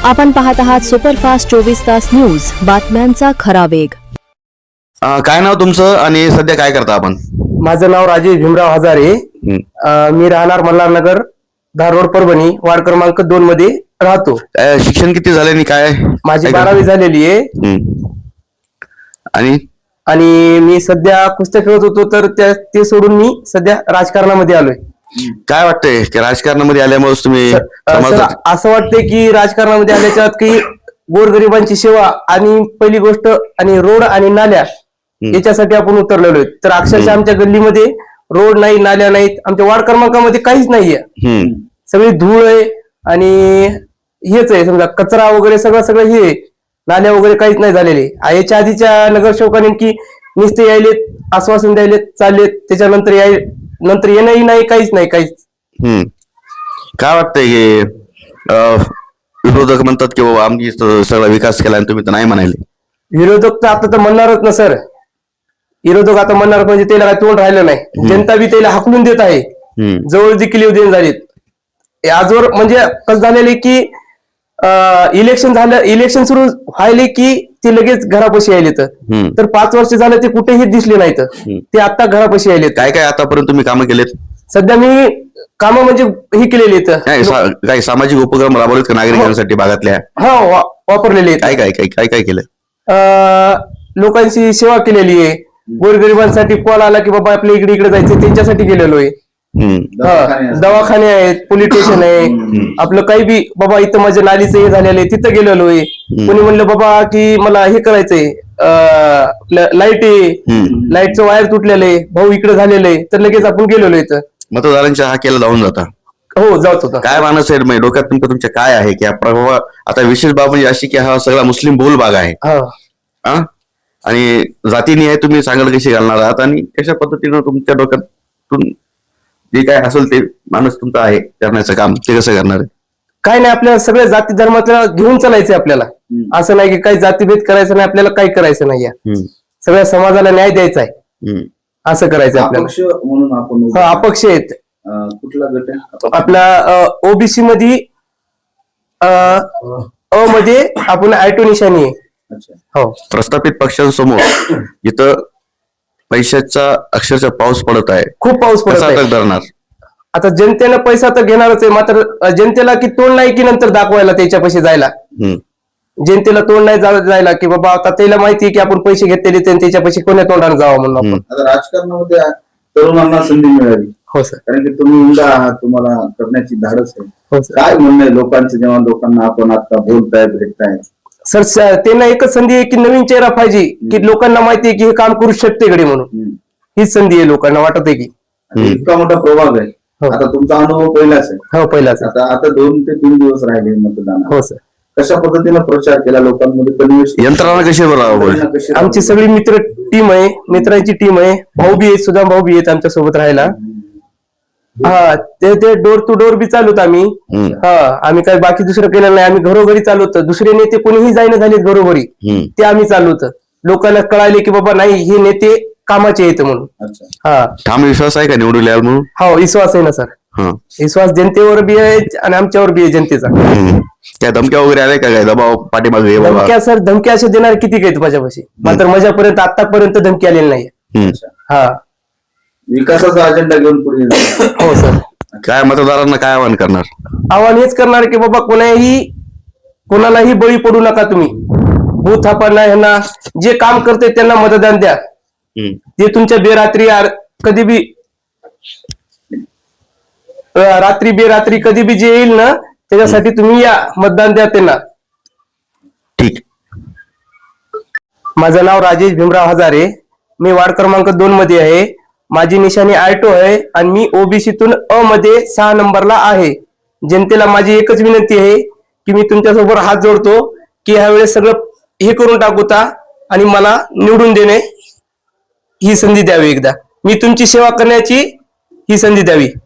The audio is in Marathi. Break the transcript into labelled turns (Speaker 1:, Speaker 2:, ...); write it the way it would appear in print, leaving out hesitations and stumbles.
Speaker 1: आपण पाहत आहात सुपरफास्ट 24 तास न्यूज, बातम्यांचा खरा वेग.
Speaker 2: काय नाव तुमचं आणि सध्या काय करता आपण?
Speaker 3: माझं नाव राजेश भीमराव हजारे. मी राहणार मल्हारनगर, धारोड, परभणी, वार्ड क्रमांक 2 मध्ये राहतो.
Speaker 2: शिक्षण किती झाले आणि काय?
Speaker 3: माझी 12वी झालेली आहे. आणि मी सध्या कुस्त्या खेळत होतो, तर ते सोडून मी सध्या राजकारणामध्ये आलोय.
Speaker 2: काय वाटतंय की राजकारणामध्ये आल्यामुळे तुम्ही
Speaker 3: असं वाटतंय की राजकारणामध्ये आल्याच्या की गोरगरिबांची सेवा आणि पहिली गोष्ट आणि रोड आणि नाल्या याच्यासाठी आपण उतरलेलो आहे. तर अक्षरशः आमच्या गल्लीमध्ये रोड नाही, नाल्या नाहीत, आमच्या वार्ड क्रमांकामध्ये काहीच नाहीये. सगळी धूळ आहे आणि हेच आहे, समजा कचरा वगैरे सगळं हे, नाल्या वगैरे काहीच नाही झालेले. याच्या आधीच्या नगरसेवकांनी की नुसते यायलेत, आश्वासन द्यायलेत, चाललेत, त्याच्यानंतर नंतर येणंही नाही, काहीच नाही, काहीच.
Speaker 2: काय वाटतंय की विरोधक म्हणतात की बाबा आम्ही सगळा विकास केला आणि तुम्ही तर नाही म्हणाले?
Speaker 3: विरोधक तर आता तर म्हणणारच ना सर. विरोधक आता म्हणणार म्हणजे त्याला काय तोंड राहिलं नाही. जनता बी त्याला हाकलून देत आहे, जवळ देखील येऊ देण झालीत. आजवर म्हणजे कसं झालेले की इलेक्शन सुरू व्हायले की ते लगेच घरापाशी यायले. तर 5 वर्ष झालं ते कुठेही दिसले नाहीत, ते आता घरापाशी यायले.
Speaker 2: काय काय आतापर्यंत तुम्ही कामं केलेत?
Speaker 3: सध्या मी कामं म्हणजे ही केलेली आहेत.
Speaker 2: काही सामाजिक उपक्रम राबवलेत का नागरिकांसाठी भागातल्या?
Speaker 3: हा, वापरलेले आहेत.
Speaker 2: काय काय काय काय काय केलं?
Speaker 3: लोकांची सेवा केलेली आहे. गोरगरिबांसाठी कॉल आला की बाबा आपल्या इकडे जायचं, त्यांच्यासाठी गेलेलो आहे. दवाखाने आहेत, पोलीस स्टेशन आहे. आपलं काही बी बाबा इथं माझ्या नालीचं हे झालेलं आहे, तिथं गेलेलो आहे. कोणी म्हणलं बाबा की मला हे करायचंय, लाईटचं वायर तुटलेलं आहे, भाऊ इकडे झालेलं आहे, तर लगेच आपण गेलेलो इथं.
Speaker 2: मतदारांच्या हा केला जाऊन जाता?
Speaker 3: हो, जात होता.
Speaker 2: काय मानस आहे म्हणजे डोक्यात तुमच्या काय आहे की बाबा आता विशेष बाब म्हणजे अशी की हा सगळा मुस्लिम बहुल भाग आहे आणि जातीने तुम्ही सांगाल कशी घालणार आहात आणि कशा पद्धतीनं तुमच्या डोक्यातून जे काय असेल ते माणूस तुमचा आहे करण्याचं काम ते कसं करणार आहे?
Speaker 3: काय नाही, आपल्याला सगळ्या जाती धर्माला घेऊन चालायचंय. आपल्याला असं नाही की काही जातीभेद करायचं नाही, आपल्याला काही करायचं नाही. सगळ्या समाजाला न्याय द्यायचा आहे, असं करायचं आपल्याला.
Speaker 4: म्हणून आपण
Speaker 3: अपक्ष आहेत.
Speaker 4: कुठला गट आहे
Speaker 3: आपला? ओबीसी मध्ये अ मध्ये आपण I2 निशाणी आहे.
Speaker 2: हो. प्रस्थापित पक्षांसमोर इथं पैशाचा अक्षरशः पाऊस पडत आहे,
Speaker 3: खूप पाऊस पडत आहे.
Speaker 2: धरणार
Speaker 3: आता जनतेनं पैसा तर घेणारच आहे, मात्र जनतेला की तोंड नाही की नंतर दाखवायला त्याच्यापाशी जायला. जनतेला तोंड नाही जायला की बाबा आता त्याला माहिती आहे की आपण पैसे घेतलेले त्याच्यापाशी कोण्या तोंडाने जावं म्हणून आपण.
Speaker 4: आता राजकारणामध्ये तरुणांना संधी मिळाली.
Speaker 3: हो सर.
Speaker 4: कारण की तुम्ही मुलगा आहात, तुम्हाला करण्याची धाडस आहे.
Speaker 3: हो सर.
Speaker 4: काय म्हणणं आहे लोकांचं जेव्हा लोकांना आपण आता बोलताय, भेटताय?
Speaker 3: सर, त्यांना एकच संधी आहे की नवीन चेहरा पाहिजे, की लोकांना माहिती आहे की हे काम करू शकते कडे म्हणून. हीच संधी आहे लोकांना वाटत आहे की.
Speaker 4: इतका मोठा प्रभाग आहे. आता तुमचा अनुभव पहिलाच आहे.
Speaker 3: हो, पहिलाच.
Speaker 4: आता 2 ते 3 दिवस राहिले मतदान.
Speaker 3: हो सर.
Speaker 4: कशा पद्धतीने प्रचार केला लोकांमध्ये?
Speaker 2: यंत्रणा कशी बरोबर?
Speaker 3: आमची सगळी मित्र टीम आहे, मित्रांची टीम आहे. भाऊ बी आहेत, सुद्धा भाऊ बी आहेत आमच्या सोबत राहायला. ते डोर टू डोर बी चालवत आम्ही. आम्ही काही बाकी दुसरं केलं नाही, आम्ही घरोघरी चालवतो. दुसरे नेते कोणीही जाईना झालेत घरोघरी, ते आम्ही चालवतो. लोकांना कळाले की बाबा नाही, हे नेते कामाचे येत म्हणून.
Speaker 2: ठाम विश्वास आहे का निवडून याल म्हणून?
Speaker 3: हो, विश्वास आहे ना सर. विश्वास जनतेवर बी आहे आणि आमच्यावर बी आहे जनतेचा.
Speaker 2: त्या धमक्या वगैरे आल्या का काय दबाव पाठीमागे?
Speaker 3: धमक्या सर, धमक्या असे देणार किती आहेत माझ्यापाशी, मात्र माझ्यापर्यंत आतापर्यंत धमकी आलेली नाही.
Speaker 4: विकासाचा अजेंडा घेऊन पुढे.
Speaker 3: हो सर.
Speaker 2: काय मतदारांना काय आवाहन करणार?
Speaker 3: आव्हान हेच करणार की बाबा कोणालाही बळी पडू नका तुम्ही. भूत थापांना, ह्यांना जे काम करते त्यांना मतदान द्या. ते तुमच्या कधी बी रात्री बेरात्री कधी बी जे येईल ना, त्याच्यासाठी तुम्ही या, मतदान द्या त्यांना.
Speaker 2: ठीक.
Speaker 3: माझं नाव राजेश भीमराव हजारे. मी वार्ड क्रमांक 2 मध्ये आहे. माझी निशाणी I2 आहे आणि मी ओबीसीतून अ मध्ये 6 नंबरला आहे. जनतेला माझी एकच विनंती आहे की मी तुमच्यासोबत हात जोडतो की ह्यावेळेस सगळं हे करून टाकूता आणि मला निवडून देणे ही संधी द्यावी. एकदा मी तुमची सेवा करण्याची ही संधी द्यावी.